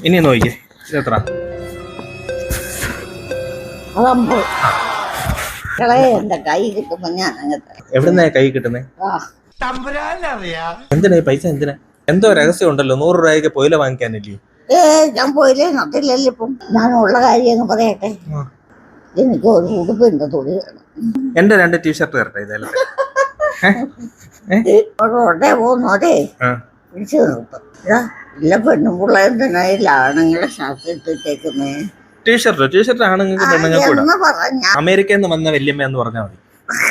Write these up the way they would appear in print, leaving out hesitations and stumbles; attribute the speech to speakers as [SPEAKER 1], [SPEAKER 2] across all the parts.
[SPEAKER 1] ഇനി നോക്കിക്കേ ഇത് എത്ര?
[SPEAKER 2] എന്റെ കൈ കിട്ടുമ്പോ ഞാൻ
[SPEAKER 1] എവിടുന്നാ കൈ കിട്ടുന്നേ? എന്തിനാ ഈ പൈസ എന്തിനാ? എന്തോ രഹസ്യം ഉണ്ടല്ലോ, 100 രൂപയ്ക്ക് പൊയില വാങ്ങിക്കാനില്ലേ?
[SPEAKER 2] ഞാൻ പോയില്ലേ നട്ടില്ലല്ലോ. ഇപ്പം ഞാനുള്ള കാര്യം അങ്ങ് പറയട്ടെ. എനിക്ക് ഒരു ഉടുപ്പിന്റെ തുണി വേണം.
[SPEAKER 1] എന്റെ 2 ടീഷർട്ട് തരട്ടെ ഇതല്ലേ?
[SPEAKER 2] റോഡേ പോകുന്നോരേ പിടിച്ചു നിർത്തും. ഇല്ല പെണ്ണും പിള്ളേരും തന്നെ ആണുങ്ങളെ ഷർട്ട് ഇട്ടിട്ടേക്കുന്നേ.
[SPEAKER 1] ടീഷർട്ട് ആണുങ്ങൾക്ക് പെണ്ണുങ്ങൾക്ക്
[SPEAKER 2] എന്ന് പറഞ്ഞ
[SPEAKER 1] അമേരിക്കയിൽ നിന്ന് വന്ന വല്യമ്മ എന്ന് പറഞ്ഞാൽ മതി.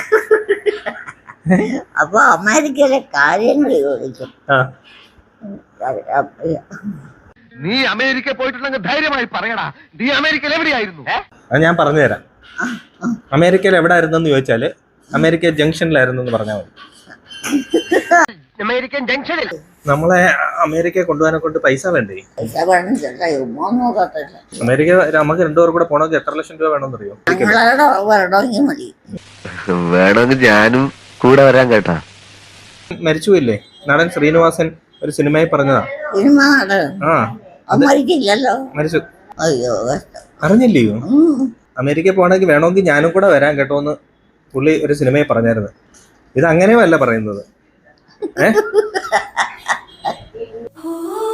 [SPEAKER 2] അപ്പൊ അമേരിക്കയിലെ കാര്യങ്ങൾ ചോദിക്കും.
[SPEAKER 3] നീ അമേരിക്ക പോയിട്ടുണ്ടെങ്കിൽ ധൈര്യമായി പറയടാ, നീ അമേരിക്കയിൽ എവിടെയായിരുന്നു?
[SPEAKER 1] അത് ഞാൻ പറഞ്ഞുതരാം. അമേരിക്കയിൽ എവിടെ ആയിരുന്നെന്ന് ചോദിച്ചാല് അമേരിക്ക ജംഗ്ഷനിലായിരുന്നു എന്ന് പറഞ്ഞാൽ മതി.
[SPEAKER 3] അമേരിക്കൻ ജംഗ്ഷനിൽ
[SPEAKER 1] നമ്മളെ അമേരിക്ക കൊണ്ടുപോകാനെ കൊണ്ട് പൈസ വേണ്ടേ? അമേരിക്ക നമുക്ക് 2 പേർ കൂടെ പോണെങ്കിൽ എത്ര ലക്ഷം രൂപ വേണമെന്ന് അറിയോ?
[SPEAKER 3] വേണമെങ്കിൽ ഞാനും കൂടെ വരാൻ കേട്ടാ.
[SPEAKER 1] മരിച്ചുപോയില്ലേ നടൻ ശ്രീനിവാസൻ, ഒരു സിനിമയിൽ പറഞ്ഞതാ. മരിച്ചു. അറിഞ്ഞില്ലയോ? അമേരിക്ക പോകണമെങ്കിൽ വേണമെങ്കിൽ ഞാനും കൂടെ വരാൻ കേട്ടോ എന്ന് പുള്ളി ഒരു സിനിമയിൽ പറഞ്ഞായിരുന്നു. ഇത് അങ്ങനെയുമല്ല പറയുന്നത്.